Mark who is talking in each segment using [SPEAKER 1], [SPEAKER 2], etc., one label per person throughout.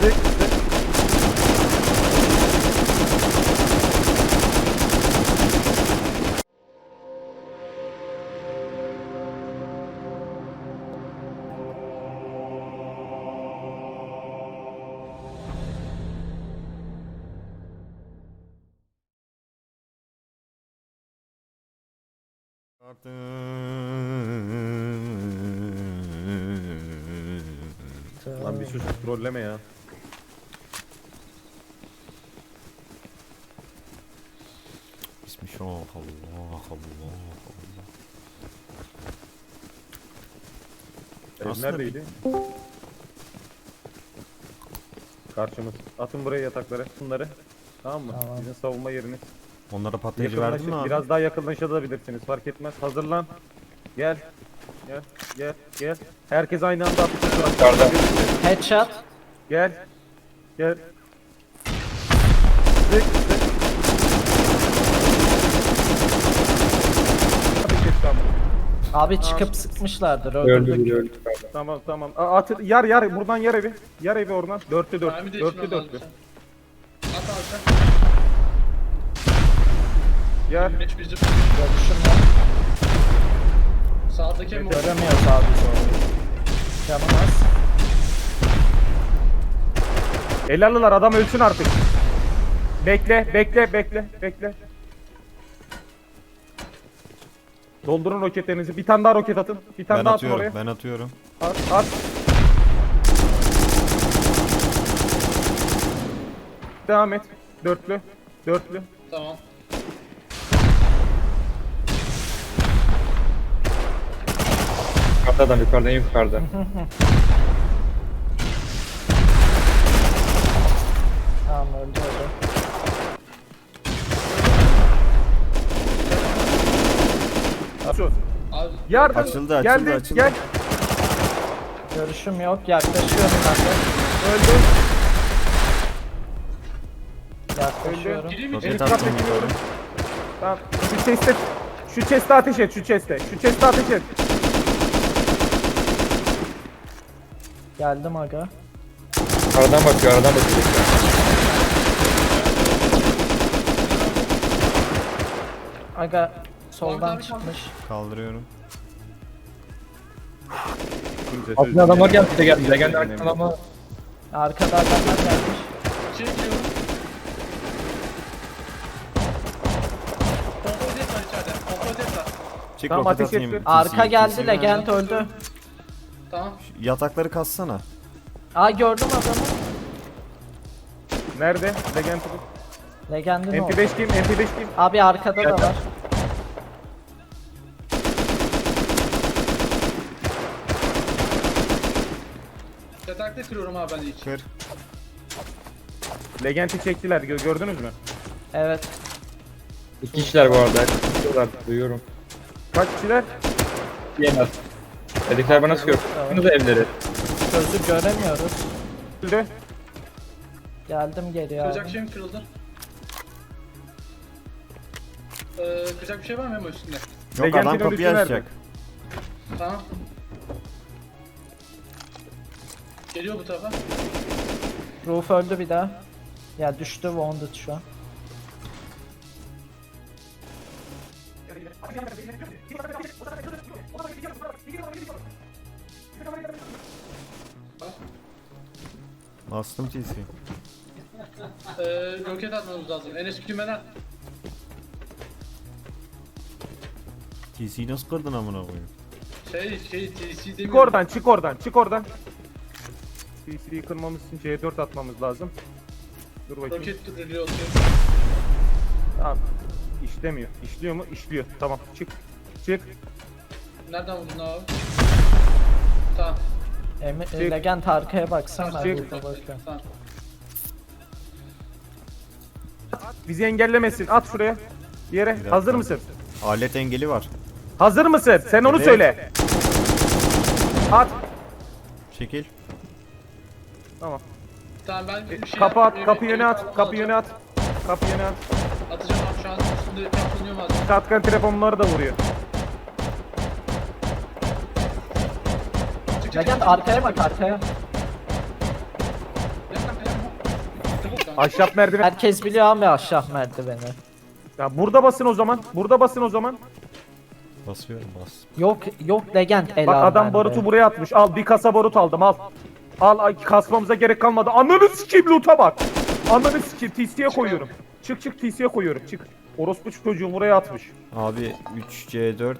[SPEAKER 1] Sık sık. Lan bir sus, trolleme ya.
[SPEAKER 2] Bismillah, Allah Allah Allah.
[SPEAKER 1] Ev
[SPEAKER 2] Aslında
[SPEAKER 1] neredeydi? Karşımız. Atın buraya yatakları, bunları. Tamam mı?
[SPEAKER 3] Tamam.
[SPEAKER 1] Sizin savunma yeriniz.
[SPEAKER 2] Onlara patlayıcı verdin mi abi?
[SPEAKER 1] Biraz daha yakınlaşabilirsiniz. Fark etmez. Hazırlan. Gel. Gel. Gel. Gel. Herkes aynı anda atışa.
[SPEAKER 4] Yukarıda.
[SPEAKER 3] Headshot.
[SPEAKER 1] Gel. Gel. Sık sık. Ateş et, tamam.
[SPEAKER 3] Abi çıkıp sıkmışlardır.
[SPEAKER 4] Öldü
[SPEAKER 3] Öldürdük.
[SPEAKER 4] biri öldü yukarıda.
[SPEAKER 1] Tamam tamam. At, yar buradan yar evi. Yar evi oradan. Dörtlü dört.
[SPEAKER 5] Mermi de
[SPEAKER 1] Dörtlü
[SPEAKER 5] içmem
[SPEAKER 1] dörtlü.
[SPEAKER 5] lazım. At alacak.
[SPEAKER 1] Yar.
[SPEAKER 5] Geç bizim.
[SPEAKER 3] Görüşüm yok.
[SPEAKER 5] Sağdaki mi?
[SPEAKER 3] Göremiyoruz abi sonra. Canım az.
[SPEAKER 1] Elallılar, adam ölsün artık. Bekle bekle bekle bekle. Doldurun roketlerinizi. Bir tane daha roket atın. Bir tane
[SPEAKER 2] Ben
[SPEAKER 1] daha atın
[SPEAKER 2] atıyorum,
[SPEAKER 1] oraya.
[SPEAKER 2] ben atıyorum.
[SPEAKER 1] At at. Devam et. Dörtlü. Dörtlü.
[SPEAKER 5] Tamam.
[SPEAKER 4] Yukarıda adam yukarıda en yukarıda.
[SPEAKER 3] Tamam öldü öldü.
[SPEAKER 1] Şu.
[SPEAKER 5] Abi
[SPEAKER 1] Yardım.
[SPEAKER 2] Açıldı,
[SPEAKER 1] Geldi.
[SPEAKER 2] açıldı.
[SPEAKER 1] Gel.
[SPEAKER 3] Görüşüm yok. Yaklaşıyorum ben de.
[SPEAKER 1] Öldü.
[SPEAKER 3] Yaklaşıyorum.
[SPEAKER 5] gireyim mi?
[SPEAKER 2] Roket
[SPEAKER 1] Elit
[SPEAKER 2] attım
[SPEAKER 1] kapı
[SPEAKER 2] yukarı.
[SPEAKER 1] Tamam. Şu chest'e ateş et. Şu chest'e. Şu chest'e ateş et.
[SPEAKER 3] Geldim aga.
[SPEAKER 4] Aradan bakıyor aradan bakıyor.
[SPEAKER 3] Aga soldan
[SPEAKER 5] abi,
[SPEAKER 3] çıkmış.
[SPEAKER 2] Kaldırıyorum.
[SPEAKER 4] Aslında adamlar geldi bize geldi. Bize geldi arkadan ama
[SPEAKER 3] Arkada adamlar gelmiş.
[SPEAKER 5] Çekiyorum. Kontrol et var içeride. Kontrol et var.
[SPEAKER 2] Çık
[SPEAKER 1] Tamam,
[SPEAKER 2] roket
[SPEAKER 1] ateş
[SPEAKER 2] atayım.
[SPEAKER 1] ettim.
[SPEAKER 3] Arka
[SPEAKER 2] TC
[SPEAKER 3] geldi.
[SPEAKER 2] TC
[SPEAKER 3] Legend öldü.
[SPEAKER 5] Tamam.
[SPEAKER 2] Yatakları kassana.
[SPEAKER 3] Aa gördüm adamı.
[SPEAKER 1] Nerede? Legend.
[SPEAKER 3] Legend'in oldu.
[SPEAKER 1] MP5 kim? MP5 kim?
[SPEAKER 3] Abi arkada da var.
[SPEAKER 5] Yatakta kırıyorum abi ben ilk.
[SPEAKER 2] Kır.
[SPEAKER 1] Legend'i çektiler. Gördünüz mü?
[SPEAKER 3] Evet.
[SPEAKER 4] iki kişiler bu arada. Çıkıyorlar duyuyorum.
[SPEAKER 1] Kaç kişiler?
[SPEAKER 4] Yemez. Dedikler bana sıkıyor. Bunu da evleri.
[SPEAKER 3] Sözü göremiyoruz.
[SPEAKER 1] Öldü.
[SPEAKER 3] Geldim geri abi.
[SPEAKER 5] Kıracak şeyim kırıldı. Kıracak bir şey var mı Memo üstünde?
[SPEAKER 2] Yok,
[SPEAKER 1] Legend'in
[SPEAKER 2] adam kapıyı
[SPEAKER 1] ölüsü nerede?
[SPEAKER 2] açacak.
[SPEAKER 5] Tamam. Geliyor bu tarafa.
[SPEAKER 3] Roof öldü bir daha. Ya düştü wounded şu an.
[SPEAKER 2] Bastım TC.
[SPEAKER 5] Roket atmamız lazım. Enes kümeden.
[SPEAKER 2] TC'yi nasıl kırdın amına koyayım?
[SPEAKER 5] TC
[SPEAKER 1] Çık
[SPEAKER 5] demiyorum.
[SPEAKER 1] oradan, çık oradan, çık oradan. CC'yi kırmamız için C4 atmamız lazım. Dur bakayım.
[SPEAKER 5] Roket reload.
[SPEAKER 1] Tamam. İşlemiyor. İşliyor mu? İşliyor. Tamam. Çık. Çık.
[SPEAKER 5] Nereden vurdun abi? Tamam.
[SPEAKER 3] Legend arkaya baksana.
[SPEAKER 1] Çık.
[SPEAKER 3] Roof'a bakıyorum.
[SPEAKER 5] Tamam.
[SPEAKER 1] Bizi engellemesin. At şuraya. Bir yere.
[SPEAKER 2] dakika.
[SPEAKER 1] Hazır mısın?
[SPEAKER 2] Alet engeli var.
[SPEAKER 1] Hazır mısın? Sen onu
[SPEAKER 2] Evet.
[SPEAKER 1] söyle. At.
[SPEAKER 2] Çekil.
[SPEAKER 1] Tamam.
[SPEAKER 5] Tamam ben bir şey
[SPEAKER 1] Kapı
[SPEAKER 5] yap-
[SPEAKER 1] at. Kapı
[SPEAKER 5] evet,
[SPEAKER 1] yöne
[SPEAKER 5] evet,
[SPEAKER 1] at. Kapı yöne at. Kapı yöne at.
[SPEAKER 5] Atacağım abi şu an üstünde kaplanıyor malzeme.
[SPEAKER 1] Shotgun telefonları da vuruyor.
[SPEAKER 5] Çık, çık,
[SPEAKER 3] Legend
[SPEAKER 5] çık.
[SPEAKER 3] arkaya bak arkaya.
[SPEAKER 5] Yakın
[SPEAKER 1] Ahşap merdiven.
[SPEAKER 3] Herkes biliyor abi aşağı merdiveni.
[SPEAKER 1] Ya burada basın o zaman. Burada basın o zaman.
[SPEAKER 2] Basıyorum bas.
[SPEAKER 3] Yok legend el
[SPEAKER 1] Bak
[SPEAKER 3] al
[SPEAKER 1] adam
[SPEAKER 3] bende.
[SPEAKER 1] barutu buraya atmış. Al bir kasa barut aldım al. Al kasmamıza gerek kalmadı. Ananı sikeyim loot'a bak. Ananı sikeyim TC'ye koyuyorum. Çık TC'ye koyuyorum çık. Orospu çocuğum buraya atmış.
[SPEAKER 2] Abi 3C4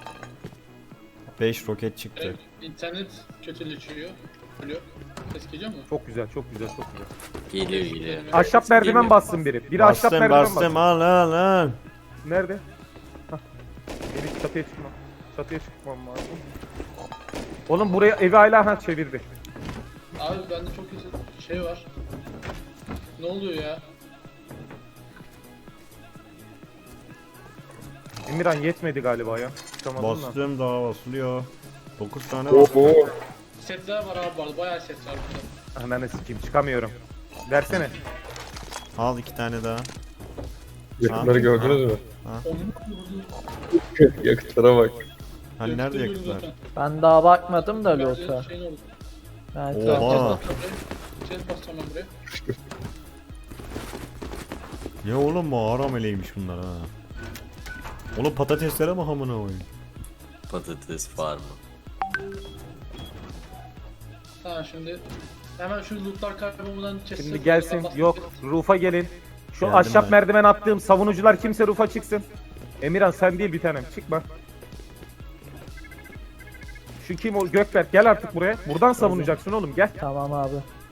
[SPEAKER 2] 5 roket çıktı.
[SPEAKER 5] Evet, internet kötüleşiyor. Ölüyor. Ses geliyor mu?
[SPEAKER 1] Çok güzel çok güzel çok güzel.
[SPEAKER 6] Geliyor.
[SPEAKER 1] Ahşap merdiven bassın biri. Biri ahşap
[SPEAKER 2] Bastım
[SPEAKER 1] merdiven
[SPEAKER 2] bastım
[SPEAKER 1] bassın.
[SPEAKER 2] al.
[SPEAKER 1] Nerede? Hah. Benim çatıya çıkmam. Çatıya çıkmam lazım. Oğlum buraya evi hala çevirdi.
[SPEAKER 5] Abi bende çok kötü şey var. Ne oluyor ya?
[SPEAKER 1] Emirhan yetmedi galiba ya. Çıkamadın da.
[SPEAKER 2] Bastım daha basılıyor. 9 tane var.
[SPEAKER 4] Oo.
[SPEAKER 5] Setler var abi bu arada. Bayağı set var burada.
[SPEAKER 1] Ananı sikeyim çıkamıyorum. Versene.
[SPEAKER 2] Al 2 tane daha.
[SPEAKER 4] Yakıtları gördünüz mü?
[SPEAKER 5] Onun
[SPEAKER 4] Yakıtlara bak.
[SPEAKER 2] Hani nerede
[SPEAKER 5] gösteriyorum
[SPEAKER 2] yakıtlar?
[SPEAKER 5] zaten.
[SPEAKER 3] Ben daha bakmadım da loot'a.
[SPEAKER 5] Şeyin oldu.
[SPEAKER 3] Ben
[SPEAKER 2] Oha.
[SPEAKER 3] tamam.
[SPEAKER 5] Set basacağım ben buraya.
[SPEAKER 2] Ya oğlum mağara meleğiymiş bunlar ha. Oğlum patateslere mi hamına koyayım?
[SPEAKER 6] Patates farmı.
[SPEAKER 5] Tamam şimdi hemen şu lootlar kaybolmadan chest'e
[SPEAKER 1] Şimdi gelsin.
[SPEAKER 5] bastım.
[SPEAKER 1] Yok. Roof'a gelin. Şu
[SPEAKER 2] Geldim
[SPEAKER 1] ahşap
[SPEAKER 2] ben.
[SPEAKER 1] merdiven attığım savunucular kimse roof'a çıksın. Emirhan sen değil bir tanem. Çıkma. Şu kim o? Gökberk gel artık buraya. Buradan savunacaksın oğlum gel.
[SPEAKER 3] Tamam abi.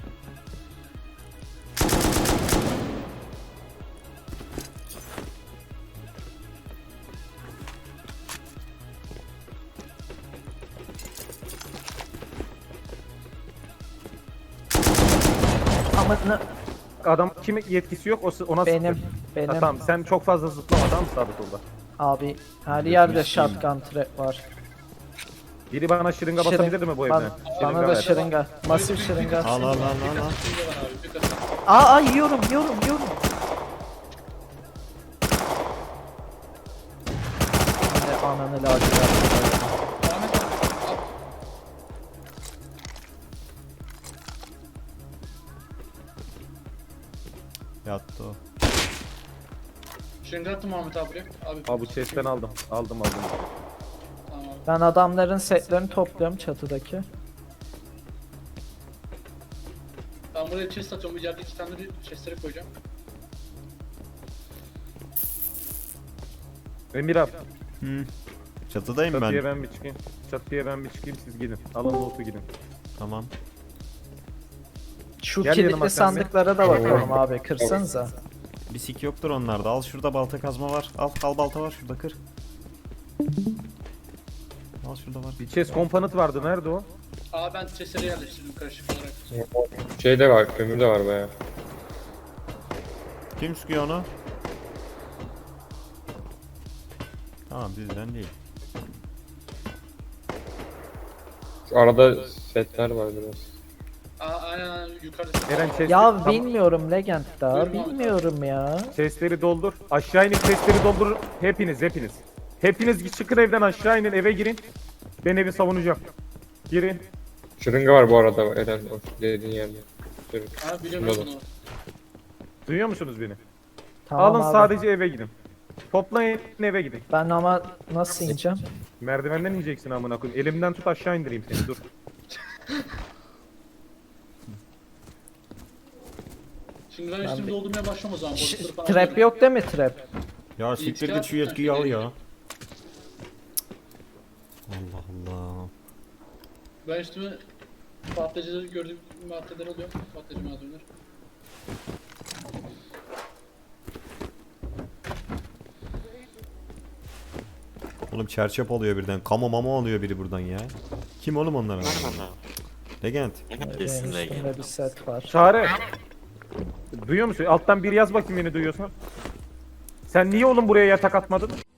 [SPEAKER 3] Ama
[SPEAKER 1] Adam kimin yetkisi yok ona
[SPEAKER 3] benim
[SPEAKER 1] sıktı.
[SPEAKER 3] benim
[SPEAKER 1] Ha, tamam sen çok fazla zıplama tamam mı sabit orada.
[SPEAKER 3] abi her yerde shotgun trap var.
[SPEAKER 1] Biri bana şırınga
[SPEAKER 3] Şırın-
[SPEAKER 1] basabilir mi bu
[SPEAKER 3] Bana-
[SPEAKER 1] evden?
[SPEAKER 3] Bana da
[SPEAKER 1] ver.
[SPEAKER 3] şırınga. Masif şırınga.
[SPEAKER 2] Al al al al al.
[SPEAKER 5] Bir var abi, bir kasa.
[SPEAKER 3] Aa yiyorum. Yine ananı lacivert.
[SPEAKER 5] Ahmet abi, al.
[SPEAKER 2] Yattı o.
[SPEAKER 5] Şimdi attım Ahmet abi buraya. Abi,
[SPEAKER 1] Aa bu chest'ten aldım. Aldım.
[SPEAKER 5] Tamam abi.
[SPEAKER 3] Ben adamların setlerini topluyorum çatıdaki.
[SPEAKER 5] Ben buraya chest atıyorum. İçeride 2 tane bir chest'leri koyacağım.
[SPEAKER 1] Emirhan
[SPEAKER 2] Çatıdayım
[SPEAKER 1] çatıya
[SPEAKER 2] ben.
[SPEAKER 1] ben bir çıkayım. Çatıya ben bir çıkayım siz gidin. Alın loot'u gidin.
[SPEAKER 2] Tamam.
[SPEAKER 3] Şu
[SPEAKER 1] Gel yanıma
[SPEAKER 3] kilitli
[SPEAKER 1] sen de.
[SPEAKER 3] sandıklara da bakalım abi. Kırsanıza.
[SPEAKER 2] Bir sik yoktur onlarda. Al şurada balta kazma var. Al balta var şurada kır. Al şurada var.
[SPEAKER 1] Bir chest komponent vardı nerede o?
[SPEAKER 5] Aa ben chest'leri yerleştirdim karışık olarak.
[SPEAKER 4] Şey de var, kömür de var baya.
[SPEAKER 2] Kim sıkıyor onu? Tamam bizden değil.
[SPEAKER 4] Şu arada setler var biraz.
[SPEAKER 5] Aa aynen yukarıda.
[SPEAKER 1] Eren chest'i
[SPEAKER 3] Ya
[SPEAKER 1] tam-
[SPEAKER 3] bilmiyorum Legend daha.
[SPEAKER 5] Buyurun abi.
[SPEAKER 3] Bilmiyorum ya.
[SPEAKER 1] chest'leri doldur. Aşağı inip chest'leri doldur. Hepiniz. Hepiniz çıkın evden aşağı inin eve girin. Ben evi savunacağım. Girin.
[SPEAKER 4] Şırınga var bu arada Eren, o dediğin yerde. Şırınga.
[SPEAKER 5] Ha biliyorum
[SPEAKER 4] Şurada.
[SPEAKER 5] bunu.
[SPEAKER 1] Duyuyor musunuz beni?
[SPEAKER 3] Tamam
[SPEAKER 1] Alın
[SPEAKER 3] abi.
[SPEAKER 1] sadece eve gidin. Toplayın eve gidin.
[SPEAKER 3] Ben ama nasıl ineceğim?
[SPEAKER 1] Merdivenden ineceksin amına koyayım. Elimden tut aşağı indireyim seni dur.
[SPEAKER 5] Şimdi ben üstümü doldurmaya başlıyorum o zaman. Boşlukları falan
[SPEAKER 3] Trap
[SPEAKER 5] alıyorum.
[SPEAKER 3] yok değil mi trap?
[SPEAKER 2] Ya siktir git şu yetkiyi al ya. Allah Allah.
[SPEAKER 5] Ben üstüme patlayıcıları gördüğüm maddeler alıyorum. Patlayıcı malzemeler.
[SPEAKER 2] Oğlum çerçep oluyor birden. Kamo mamo oluyor biri buradan ya. Kim oğlum onlar? Legend.
[SPEAKER 6] Kesin
[SPEAKER 3] Benim
[SPEAKER 6] Legend.
[SPEAKER 3] üstümde bir set var.
[SPEAKER 1] Çağrı. Duyuyor musun? Alttan bir yaz bakayım beni duyuyorsan. Sen niye oğlum buraya yatak atmadın?